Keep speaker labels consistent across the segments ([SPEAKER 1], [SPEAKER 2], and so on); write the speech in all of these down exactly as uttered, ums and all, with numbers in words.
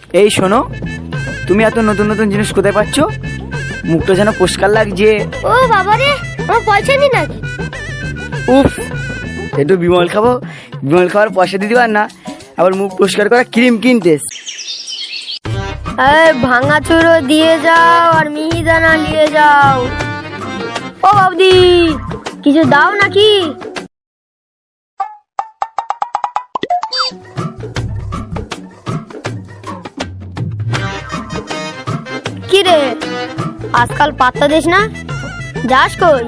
[SPEAKER 1] এই শোনো, তুমি এত নতুন নতুন জিনিস কোথায় পাচ্ছ? মুখটা যেন পরিষ্কার লাগছে।
[SPEAKER 2] ও বাবা রে, আমার পয়সা নি নাকি?
[SPEAKER 1] উফ, একটু বিমল খাবো, বিমল খাওয়ার পয়সা দিতে পার না, আবার মুখ পরিষ্কার করা ক্রিম কিনতে।
[SPEAKER 2] ভাঙা চুরো দিয়ে যাও আর মিহিদানা নিয়ে যাও। ও বাবদি, কিছু দাও নাকি? কি রে, আজকাল পাত্তা দিস না, যাস কই?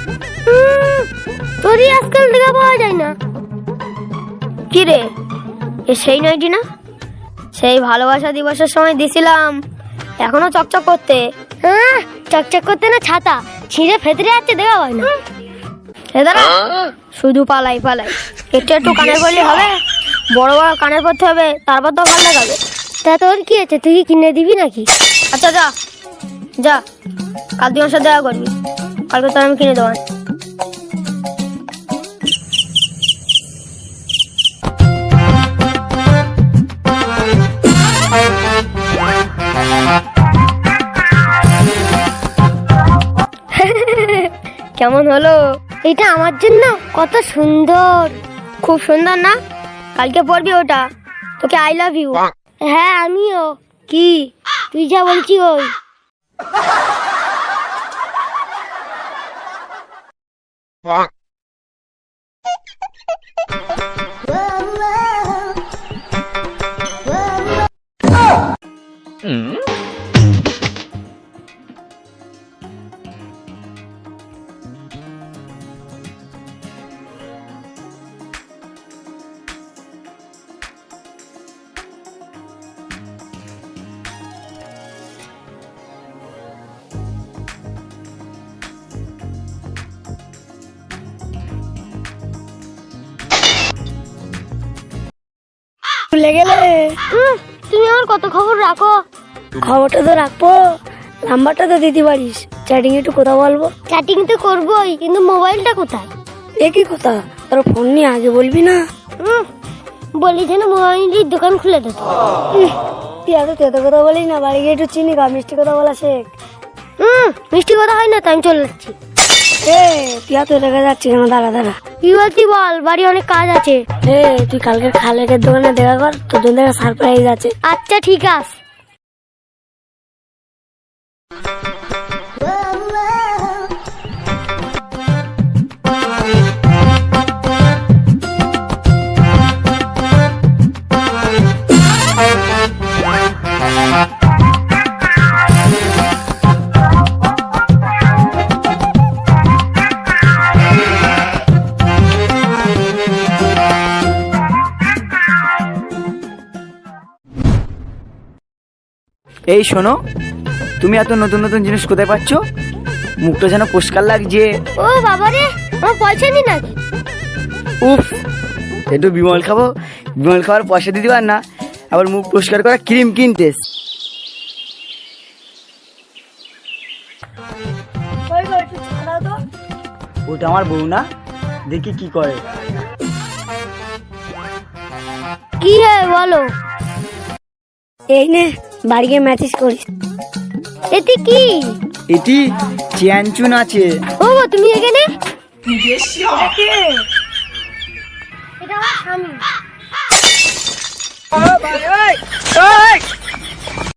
[SPEAKER 2] তোরই আজকাল দেখা পাওয়া যায় না। কি রে, এ সেই নয়টি না? সেই ভালোবাসা দিবসের সময় দিছিলাম, এখনো চকচক করতে। হ্যাঁ, চকচক করতে না, ছাতা ছিঁড়ে ফেতরে যাচ্ছে, দেখা হয় না। দাদা শুধু পালাই পালাই, একটু একটু কানের পরলে হবে? বড় বড় কানের পরতে হবে, তারপর তো ভালো লাগাবে। তা তোর কি আছে, তুই কি কিনে দিবি নাকি? আচ্ছা যা যা, কাল তুই আমার সাথে দেখা করবি, কালকে তোর আমি কিনে দেবো। কেমন হলো? এটা আমার জন্য কত সুন্দর, খুব সুন্দর না? কালকে পরবি ওটা, তোকে আই লাভ ইউ। হ্যাঁ আমিও। কি তুই যা বলছি ওই। ভুলে গেলে? তুমি আমার কত খবর রাখো। খবরটা তো রাখবো, নাম্বারটা তো দিতে পারিস, চ্যাটিং একটু কথা বলবো। চ্যাটিং তো করবোই, কিন্তু মোবাইলটা কোথায়? একই কথা, তোর ফোন নিয়ে আগে বলবি না? বলি যেন মোবাইলের দোকান খুলে দেব। তুই এত তেতো কথা বলিস না, বাড়ি গিয়ে একটু চিনি গা, মিষ্টি কথা বলা শেখ। হুম, মিষ্টি কথা হয় না, তাই আমি চলে যাচ্ছি। এ তুই এত রেগে যাচ্ছিস কেন? দাঁড়া দাঁড়া, কি বলছি বল, বাড়ি অনেক কাজ আছে। এ তুই কালকে খালেকের দোকানে দেখা কর, তোর জন্য সারপ্রাইজ আছে। আচ্ছা ঠিক আছে।
[SPEAKER 1] এই শোনো, তুমি এত নতুন নতুন জিনিস কোথায় পাচ্ছ? মুখটা যেন পরিষ্কার লাগছে।
[SPEAKER 2] ও বাবা রে, আমার পয়সা নি নাকি?
[SPEAKER 1] উফ, একটু বিমল খাবো, বিমল খাওয়ার পয়সা দিতে পার না, আবার মুখ পরিষ্কার করা ক্রিম কিনতে। ওটা আমার বউ না, দেখি কি করে।
[SPEAKER 2] কি হে বলো। এই নে, বাড়ি গিয়ে ম্যাসেজ করিস। এতে কি?
[SPEAKER 1] এটি চ্যানচুন আছে।
[SPEAKER 2] ও তুমি এখানে? এটা আমার স্বামী।